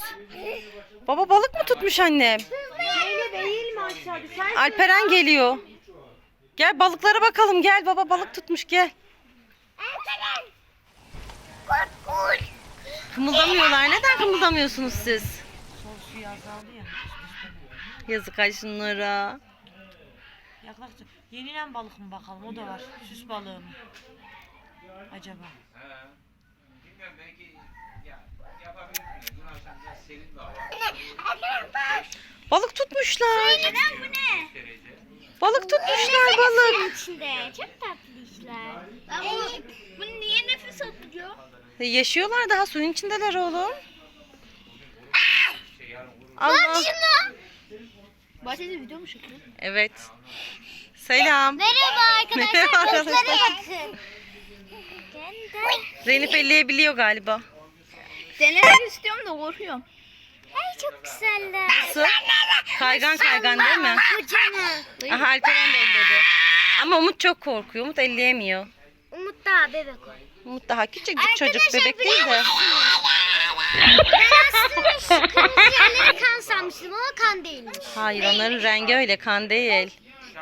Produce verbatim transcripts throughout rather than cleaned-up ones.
Baba balık mı tutmuş annem? Alperen geliyor. Gel balıklara bakalım, gel baba balık tutmuş, gel. Kımıldamıyorlar. Neden kımıldamıyorsunuz siz? Sol suyu azaldı ya. Yazık ay şunlara. Yaklaştı. Yenilen balık mı bakalım, o da var. Süs balığı mı? Acaba? Bilmiyorum, belki ya yapabilirsiniz. Dün akşam biraz serin de hava. Balık tutmuşlar. Neden bu ne? Derece. Balık tutmuşlar balık. İçinde çok tatlı işler. Ben bu, bunu niye nefes atıyor? E, Yaşıyorlar daha, suyun içindeler oğlum. Şey yarın vurur. Allah. Bahçede video mu çekiyor? Evet. Selam. Merhaba arkadaşlar. Merhaba arkadaşlar. Bakın. Zeynep elleyebiliyor galiba. Denemek istiyorum da korkuyorum. Ay çok güzeller. Su. Kaygan kaygan değil mi? Kocaman. Aha Alperen de elledi. Ama Umut çok korkuyor. Umut elleyemiyor. Umut daha bebek o. Umut daha küçücük çocuk, bebek değil de. Ben aslında şu kırmızı yerlere kan sanmıştım ama kan değilmiş. Hayır, onların rengi öyle, kan değil.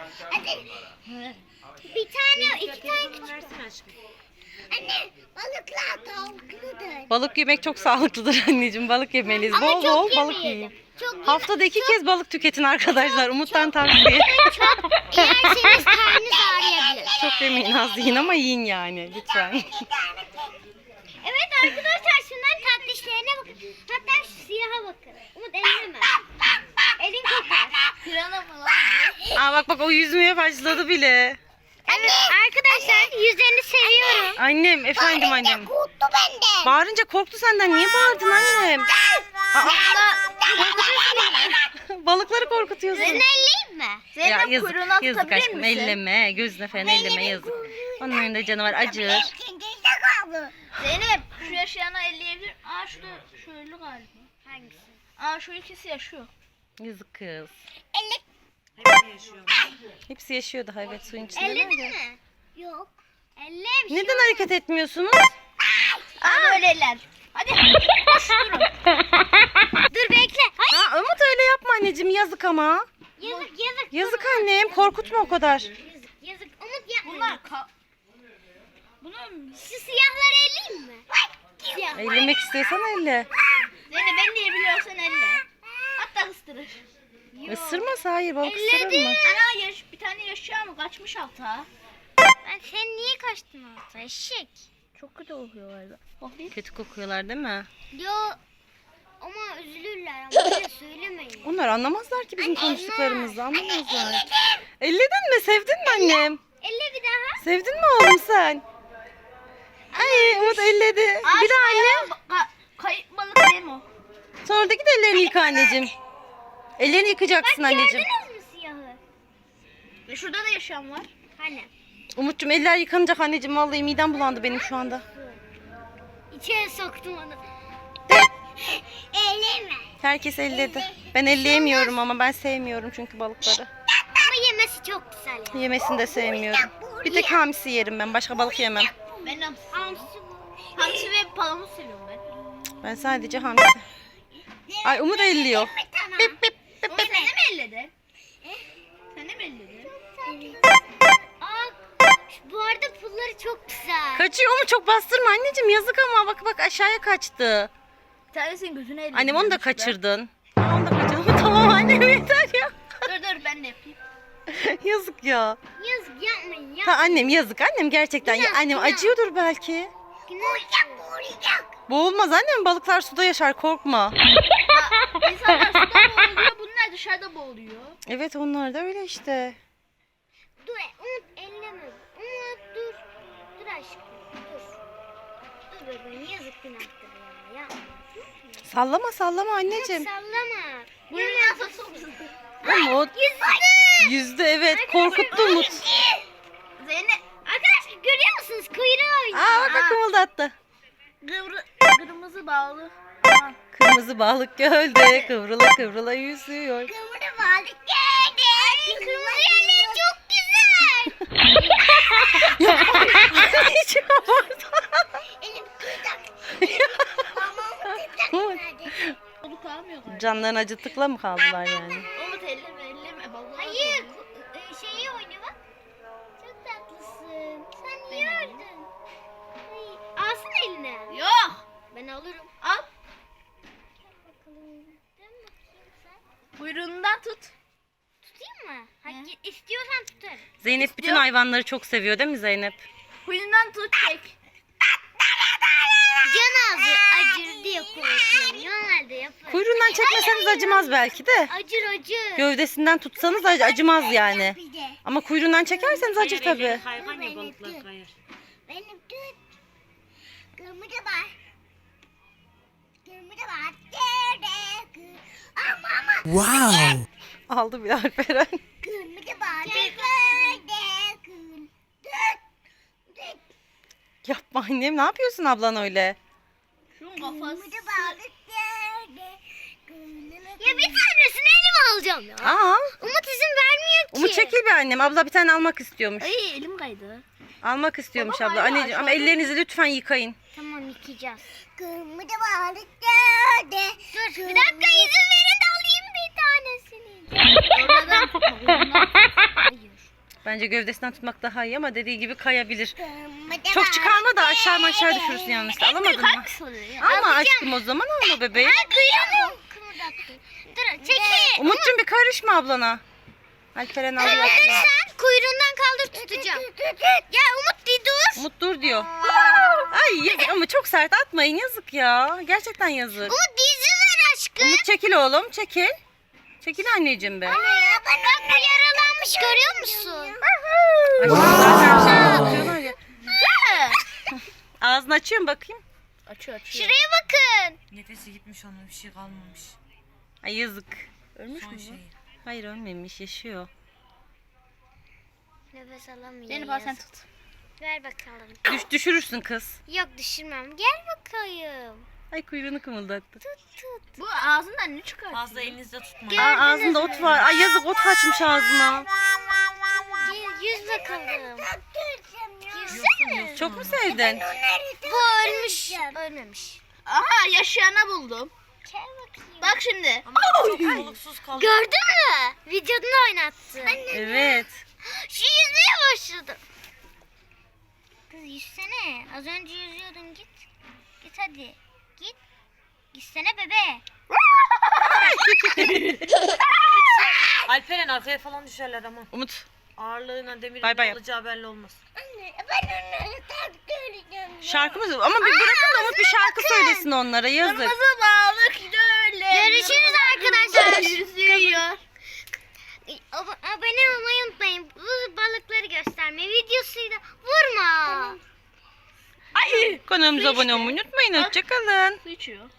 Bir tane, iki tane küçük. Anne, balıklar tavukludur. Balık yemek çok sağlıklıdır anneciğim. Balık yemeliyiz. Ama Bol çok bol balık yemeyelim. yiyin. Çok yeme- Haftada iki kez balık tüketin arkadaşlar. Umut'tan tavsiye. Çok yerseniz karnınız ağrıyabilir. Çok yemeyin, az yiyin ama yiyin yani lütfen. Evet arkadaşlar, şunların tatlı işlerine bakın. Hatta şu siyaha bakın. Umut elleme. Elin kokar. Pirana mı lan? Aa bak bak, o yüzmeye başladı bile. Evet arkadaşlar, yüzlerini seviyorum. Annem, efendim annem. Korktu benden. Bağırınca korktu senden. Niye bağırdın annem? Aa, balıkları korkutuyorsun. Seni elleyeyim mi? Ya Zeynep yazık, kuyruğunu yazık tutabilir aşkım, misin? elleme, gözüne falan elleme, yazık. Onların da canı var, acır. Zeynep şu yaşayana elleyebilir. Aa şurada şöyle galiba. Hangisi? Aa şu ikisi yaşıyor. Yazık kız. Hepsi yaşıyor. Hepsi yaşıyor daha, evet, suyun içinde. Elledin mi? Yok. Ellemiş. Neden hareket etmiyorsunuz? Aa böyle eller. Hadi. Koş durun. Dur bekle. Hayır. Ha, Umut öyle yapma anneciğim, yazık ama. Yazık yazık. Yazık annem, korkutma o kadar. Yazık yazık. Umut yapma. Bunlar ka... Bunlar Şu siyahları elleyeyim mi? Siyah. Ellemek istiyorsan elle. Zeynep ben diye biliyorsan elle. Hatta ıstırır. Isırmasa, hayır, balık ısırır mı? Ana yaş, bir tane yaşıyor ama kaçmış alta. Ben sen niye kaçtın alta eşek? Çok kötü kokuyor galiba. Kötü kokuyorlar değil mi? Yo ama üzülürler ama öyle söylemeyin. Onlar anlamazlar ki bizim konuştuklarımızı, anlamazlar. Elledin mi? Sevdin mi annem? Elle bir daha. Sevdin mi oğlum sen? Ay Umut elledi. Bir de anne. Kayıp balık değil mi o? Sonra da git ellerini yıka anneciğim. Ellerini yıkacaksın anneciğim. Gördünüz mü siyahı? E şurada da yaşayan var. Hani? Umut'cum eller yıkanacak anneciğim. Vallahi midem bulandı benim şu anda. İçeri soktum onu. Elleme. Herkes elledi. Ben elleyemiyorum ama ben sevmiyorum çünkü balıkları. Ama yemesi çok güzel ya. Yemesini de sevmiyorum. Bir tek hamsi yerim ben. Başka balık yemem. Ben hamsi. Hamsi, hamsi ve palamut seviyorum ben. Ben sadece hamsi. Ay Umut elliyor. Bip bip bip Ama bip. sen de mi elledin? Sen de mi elledin? Aa, bu arada pulları çok güzel. Kaçıyor mu? Çok bastırma anneciğim, yazık ama. Bak bak, aşağıya kaçtı. Bir tanesinin gözüne elledin. Annem onu da kaçırdın. Aa, onu da kaçırdın. Tamam annem, yeter ya. Dur dur ben de yapayım. Yazık ya. Yazık yapmayın ya. Ha annem, yazık annem, gerçekten. Ya, Günah, annem günah. acıyordur belki. Boğulacak boğulacak. Boğulmaz annem, balıklar suda yaşar, korkma. İnsanlar suda boğuluyor, bunlar dışarıda boğuluyor. Evet, onlar da öyle işte. Dur Umut elleme. Umut dur. Dur aşkım dur. Dur bebeğim yazık günahtır ya. Yapma. Sallama sallama anneciğim. Sallama. Bunu nasıl sokuyorsun? Umut. Yüzde. Yüzde evet, korkuttu Umut. Zeynep. Arkadaşlar görüyor musunuz? Kuyruğu oynuyor. Aa bak bak, kımıldattı. Kıvrı, kırmızı bağlı. Kırmızı balık gölde kıvrıla kıvrıla yüzüyor. Kıvrı balık geldi. Ay, kırmızı yerleri çok güzel. Hiç yapmadı. Elim kırdak. Umut. kalmıyor galiba. Canlarını acıttıkla mı kaldılar yani? Umut elleme elleme. Vallahi Hayır. ku- e, Şeyi oynuyor bak. Çok tatlısın. Sen niye öldün? Ay, alsana eline. Yok. Ben alırım. Al. Bakalım. Dön bakayım sen. Kuyruğundan tut. Tutayım mı? Hadi istiyorsan tutarım. Zeynep bütün hayvanları çok seviyor değil mi Zeynep? Kuyruğundan tut çek. Can ağzı acır diye korkuyorum. Normalde yaparım. Kuyruğundan çekmeseniz acımaz belki de. Acır acır. Gövdesinden tutsanız ac- acımaz yani. Ama kuyruğundan çekerseniz acır Diğer elleri tabii. Kaygan ya balıklar kayar. Benim tut. Kırmızı var. Kırmızı var. Dede kır. Ama ama. Wow. Aldı bir Alperen. Kırmızı var. Dede kır. Tut. Tut. Yapma annem, ne yapıyorsun ablan öyle? Şunun kafası. Ya bir tanesini elime alacağım ya. Aa, Umut izin vermiyor ki. Umut çekil bir annem. Abla bir tane almak istiyormuş. Ay elim kaydı. Almak istiyormuş Baba, abla. hala Anneciğim ama aşağıda. ellerinizi lütfen yıkayın. Tamam yıkayacağız. Kırmızı balık dede. Dur bir dakika izin verin de alayım bir tanesini. Oradan tutma kuyruğundan tut. Hayır. Bence gövdesinden tutmak daha iyi ama dediği gibi kayabilir. Kırmızı Çok çıkarma da aşağı aşağı düşürsün yanlışlıkla. Alamadın mı? Alma aşkım o zaman, alma bebeğim. Ay kuyruğunu kımıldattı. Dur çekil. Umut'cum bir karışma ablana. Alperen alıyor. Bakın sen kuyruğundan kaldır tutacağım. Ya Umut bir dur. Umut dur diyor. Ay yazık ama çok sert atmayın, yazık ya. Gerçekten yazık. Umut bir izin ver aşkım. Umut çekil oğlum, çekil. Çekil anneciğim be. Anne ya bak bu yaralanmış görüyor musun? Ay, zaten şey atıyorlar ya. Ağzını açıyorum bakayım. Açıyor açıyor. Şuraya bakın. Nefesi gitmiş onun, bir şey kalmamış. Ay yazık. Ölmüş Son mü şey. Hayır ölmemiş, yaşıyor. Nefes alamıyor. Zeynep al sen yazık. tut. Ver bakalım. Düş, düşürürsün kız. Yok düşürmem. Gel bakayım. Ay kuyruğunu kımıldattı. Tut tut. Bu ağzından ne çıkar? Fazla elinizde tutmayın. Aa, ağzında ot var. Ay yazık, ot kaçmış ağzına. Gel, yüz bakalım. Yüzsene. Çok mu sevdin? Bu ölmüş. Ölmemiş. Aha yaşayana buldum. Gel bakayım. Bak şimdi. Ama çok soluksuz kaldı. Gördün mü? Videonu oynattı. Evet. Şu yüzmeye başladı. Kız yüzsene. Az önce yüzüyordun git. Git hadi. Git. Gitsene bebe. Alperen arkaya falan düşerler ama. Umut. Ağırlığına demirin Bay bay ne yap. olacağı belli olmaz. Anne ben onları tak göreceğim. Şarkımız ama bir bırakın da Umut bir şarkı söylesin onlara, yazık. Kırmızı balık öyle. Görüşürüz arkadaşlar. Yüzüyor. Ab- abone olmayı unutmayın. Bu balıkları gösterme videosuyla vurma. Ay. Kanalımıza abone olmayı unutmayın. Hoşçakalın. Su içiyor.